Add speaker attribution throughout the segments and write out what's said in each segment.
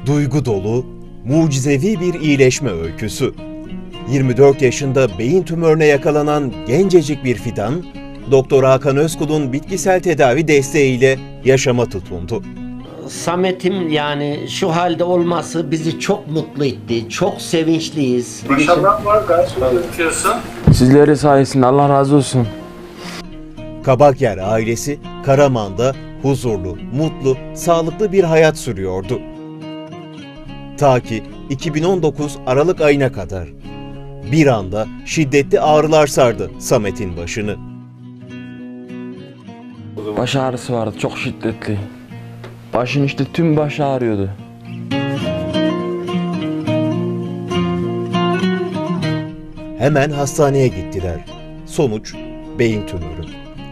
Speaker 1: Duygu dolu, mucizevi bir iyileşme öyküsü. 24 yaşında beyin tümörüne yakalanan gencecik bir fidan, Doktor Hakan Özkul'un bitkisel tedavi desteğiyle yaşama tutundu.
Speaker 2: Samet'im yani şu halde olması bizi çok mutlu etti. Çok sevinçliyiz.
Speaker 3: Maşallah var, gayet gözüküyorsun.
Speaker 4: Sizleri sayesinde Allah razı olsun.
Speaker 1: Kabakyer ailesi Karaman'da huzurlu, mutlu, sağlıklı bir hayat sürüyordu. Ta ki 2019 Aralık ayına kadar. Bir anda şiddetli ağrılar sardı Samet'in başını.
Speaker 4: Baş ağrısı vardı, çok şiddetli. Başın işte tüm başı ağrıyordu.
Speaker 1: Hemen hastaneye gittiler. Sonuç beyin tümörü.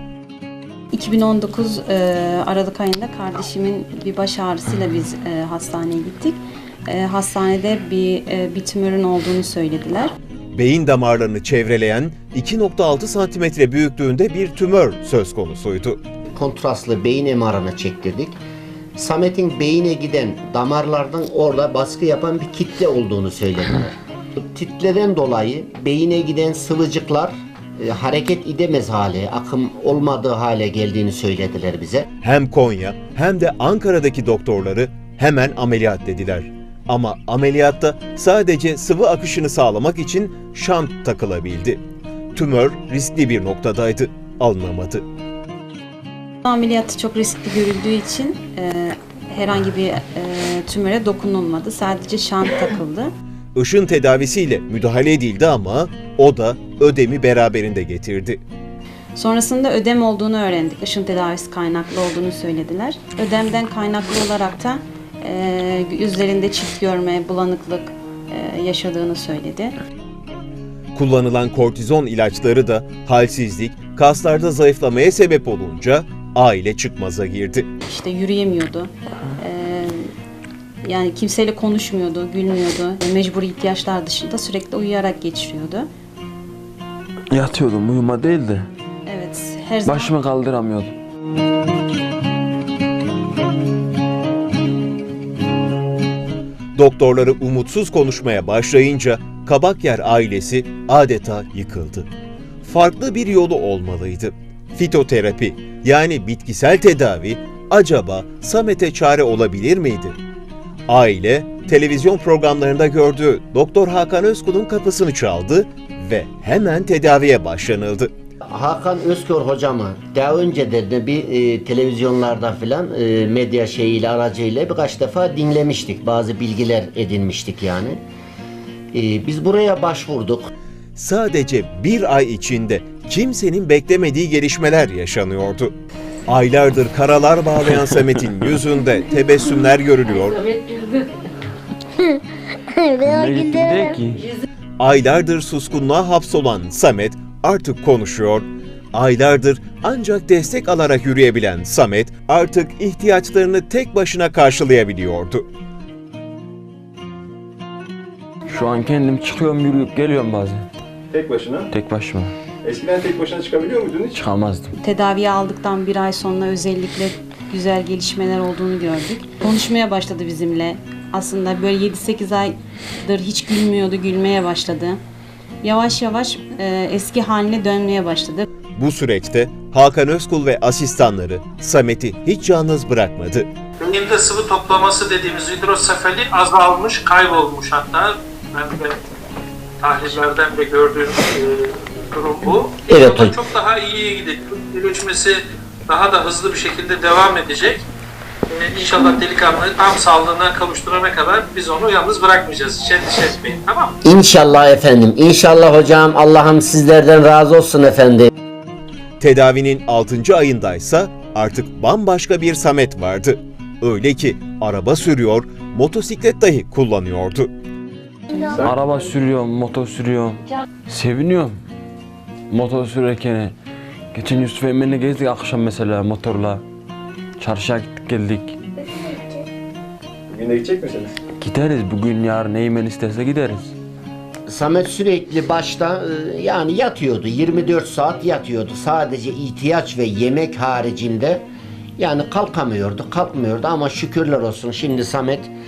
Speaker 5: 2019 Aralık ayında kardeşimin bir baş ağrısıyla biz hastaneye gittik. Hastanede bir tümörün olduğunu söylediler.
Speaker 1: Beyin damarlarını çevreleyen 2,6 santimetre büyüklüğünde bir tümör söz konusuydu.
Speaker 2: Kontrastlı beyin MR'ını çektirdik. Samet'in beyine giden damarlardan orada baskı yapan bir kitle olduğunu söylediler. Titreden dolayı beyine giden sıvıcıklar hareket edemez hale, akım olmadığı hale geldiğini söylediler bize.
Speaker 1: Hem Konya hem de Ankara'daki doktorları hemen ameliyat dediler. Ama ameliyatta sadece sıvı akışını sağlamak için şant takılabildi. Tümör riskli bir noktadaydı, alınamadı.
Speaker 5: Ameliyatı çok riskli görüldüğü için herhangi bir tümöre dokunulmadı. Sadece şant takıldı.
Speaker 1: Işın tedavisiyle müdahale edildi ama o da ödemi beraberinde getirdi.
Speaker 5: Sonrasında ödem olduğunu öğrendik. Işın tedavisi kaynaklı olduğunu söylediler. Ödemden kaynaklı olarak da yüzlerinde çift görme, bulanıklık yaşadığını söyledi.
Speaker 1: Kullanılan kortizon ilaçları da halsizlik, kaslarda zayıflamaya sebep olunca aile çıkmaza girdi.
Speaker 5: İşte yürüyemiyordu. Yani kimseyle konuşmuyordu, gülmüyordu. Mecburi ihtiyaçlar dışında sürekli uyuyarak geçiriyordu.
Speaker 4: Yatıyordum, uyuma değildi.
Speaker 5: Evet, her zaman
Speaker 4: Başımı kaldıramıyordum.
Speaker 1: Doktorları umutsuz konuşmaya başlayınca Kabakyer ailesi adeta yıkıldı. Farklı bir yolu olmalıydı. Fitoterapi yani bitkisel tedavi acaba Samet'e çare olabilir miydi? Aile televizyon programlarında gördüğü Doktor Hakan Özkul'un kapısını çaldı ve hemen tedaviye başlanıldı.
Speaker 2: Hakan Özkör hocamı daha önce de bir televizyonlarda filan medya şeyiyle aracıyla birkaç defa dinlemiştik. Bazı bilgiler edinmiştik yani. Biz buraya başvurduk.
Speaker 1: Sadece bir ay içinde kimsenin beklemediği gelişmeler yaşanıyordu. Aylardır karalar bağlayan Samet'in yüzünde tebessümler görülüyor.
Speaker 4: Ne gittim değil ki.
Speaker 1: Aylardır suskunluğa hapsolan Samet artık konuşuyor. Aylardır ancak destek alarak yürüyebilen Samet artık ihtiyaçlarını tek başına karşılayabiliyordu.
Speaker 4: Şu an kendim çıkıyorum, yürüyüp geliyorum bazen.
Speaker 3: Tek başına.
Speaker 4: Tek başıma.
Speaker 3: Eskiden tek başına çıkabiliyor muydun hiç?
Speaker 4: Çıkamazdım.
Speaker 5: tedaviye aldıktan bir ay sonra özellikle güzel gelişmeler olduğunu gördük. Konuşmaya başladı bizimle. Aslında böyle 7-8 aydır hiç gülmüyordu, gülmeye başladı. Yavaş yavaş eski haline dönmeye başladı.
Speaker 1: Bu süreçte Hakan Özkul ve asistanları Samet'i hiç yalnız bırakmadı.
Speaker 3: Beyinde sıvı toplaması dediğimiz hidrosefali azalmış, kaybolmuş hatta. Ben de tahlillerden de gördüğüm durum bu.
Speaker 2: Evet,
Speaker 3: Yolda çok daha iyiye gidecek. Gelişmesi daha da hızlı bir şekilde devam edecek. İnşallah delikanlıyı tam sağlığına kavuşturana kadar biz onu yalnız bırakmayacağız. Hiç endişe etmeyin, tamam mı?
Speaker 2: İnşallah efendim. İnşallah hocam. Allah'ım sizlerden razı olsun efendim.
Speaker 1: Tedavinin 6. ayındaysa artık bambaşka bir Samet vardı. Öyle ki araba sürüyor, motosiklet dahi kullanıyordu.
Speaker 4: Araba sürüyorum, motor sürüyorum. Seviniyorum. Motor sürerken. Geçen Yusuf Emre'yle gezdik akşam mesela motorla. Çarşıya gittik geldik.
Speaker 3: Bugün de gidecek misiniz?
Speaker 4: Gideriz bugün, yarın Eymen isterse gideriz.
Speaker 2: Samet sürekli başta yani yatıyordu. 24 saat yatıyordu. Sadece ihtiyaç ve yemek haricinde yani kalkamıyordu ama şükürler olsun şimdi Samet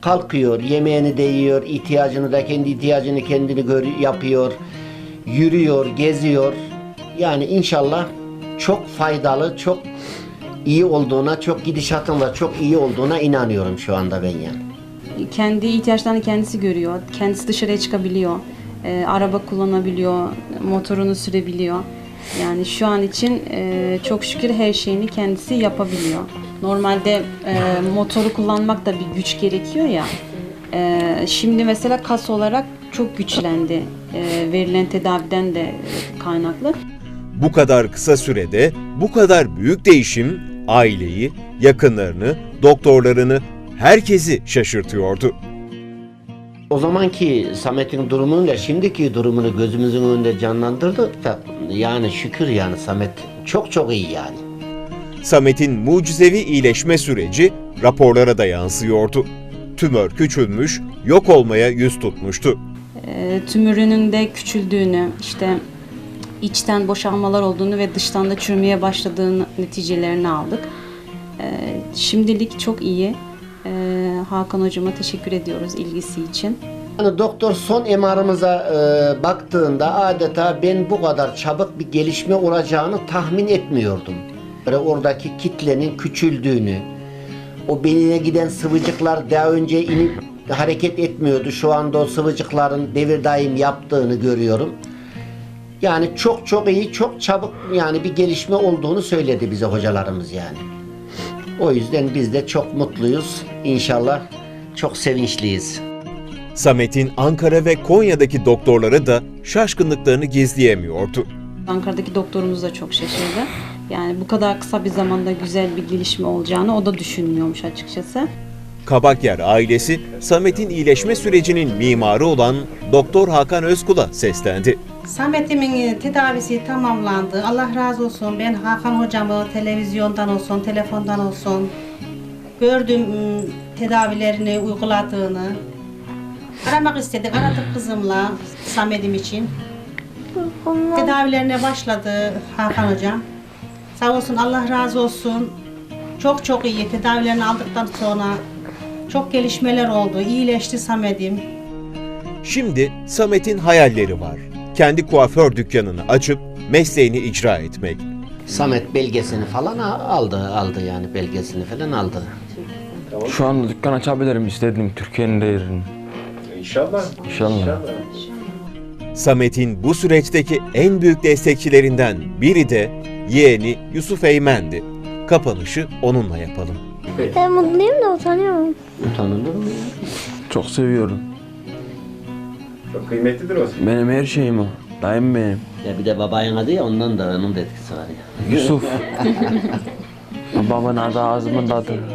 Speaker 2: kalkıyor, yemeğini de yiyor, ihtiyacını da kendi ihtiyacını kendini yapıyor, yürüyor, geziyor. Yani inşallah çok faydalı, çok iyi olduğuna, çok gidişatın da çok iyi olduğuna inanıyorum şu anda ben yani.
Speaker 5: Kendi ihtiyaçlarını kendisi görüyor. Kendisi dışarıya çıkabiliyor. Araba kullanabiliyor. Motorunu sürebiliyor. Yani şu an için çok şükür her şeyini kendisi yapabiliyor. Normalde motoru kullanmak da bir güç gerekiyor ya. Şimdi mesela kas olarak çok güçlendi. Verilen tedaviden de kaynaklı.
Speaker 1: Bu kadar kısa sürede bu kadar büyük değişim aileyi, yakınlarını, doktorlarını, herkesi şaşırtıyordu.
Speaker 2: O zamanki Samet'in durumuyla şimdiki durumunu gözümüzün önünde canlandırdık da yani şükür yani Samet çok çok iyi yani.
Speaker 1: Samet'in mucizevi iyileşme süreci raporlara da yansıyordu. Tümör küçülmüş, yok olmaya yüz tutmuştu.
Speaker 5: Tümörünün de küçüldüğünü, işte içten boşalmalar olduğunu ve dıştan da çürümeye başladığını neticelerini aldık. Şimdilik çok iyi. Hakan hocama teşekkür ediyoruz ilgisi için.
Speaker 2: Yani doktor son MR'ımıza baktığında adeta ben bu kadar çabuk bir gelişme olacağını tahmin etmiyordum. Böyle oradaki kitlenin küçüldüğünü, o beynine giden sıvıcıklar daha önce inip hareket etmiyordu. Şu anda o sıvıcıkların devir daim yaptığını görüyorum. Yani çok çok iyi, çok çabuk yani bir gelişme olduğunu söyledi bize hocalarımız yani. O yüzden biz de çok mutluyuz. İnşallah çok sevinçliyiz.
Speaker 1: Samet'in Ankara ve Konya'daki doktorları da şaşkınlıklarını gizleyemiyordu.
Speaker 5: Ankara'daki doktorumuz da çok şaşırdı. Yani bu kadar kısa bir zamanda güzel bir gelişme olacağını o da düşünmüyormuş açıkçası.
Speaker 1: Kabakyer ailesi, Samet'in iyileşme sürecinin mimarı olan Doktor Hakan Özkul'a seslendi.
Speaker 6: Samet'imin tedavisi tamamlandı. Allah razı olsun. Ben Hakan hocamı televizyondan olsun, telefondan olsun gördüm tedavilerini uyguladığını. Aramak istedik. Aradık kızımla Samet'im için. Tedavilerine başladı Hakan hocam. Sağ olsun, Allah razı olsun. Çok çok iyi. Tedavilerini aldıktan sonra çok gelişmeler oldu. İyileşti Samet'im.
Speaker 1: Şimdi Samet'in hayalleri var. Kendi kuaför dükkanını açıp mesleğini icra etmek.
Speaker 2: Samet belgesini falan aldı yani belgesini falan aldı.
Speaker 4: Şu anda dükkan açabilirim istedim Türkiye'nin de yerini.
Speaker 7: İnşallah.
Speaker 4: İnşallah.
Speaker 1: Samet'in bu süreçteki en büyük destekçilerinden biri de yeğeni Yusuf Eymen'di. Kapanışı onunla yapalım.
Speaker 8: Ben mutluyum da utanıyorum.
Speaker 2: Utanılır mı?
Speaker 4: Çok seviyorum.
Speaker 7: Çok kıymetlidir o.
Speaker 4: Benim her şeyim o. Dayım benim.
Speaker 2: Ya bir de babanın adı ya ondan da onun da etkisi var ya.
Speaker 4: Yusuf. Babamın adı ağzımın tadı.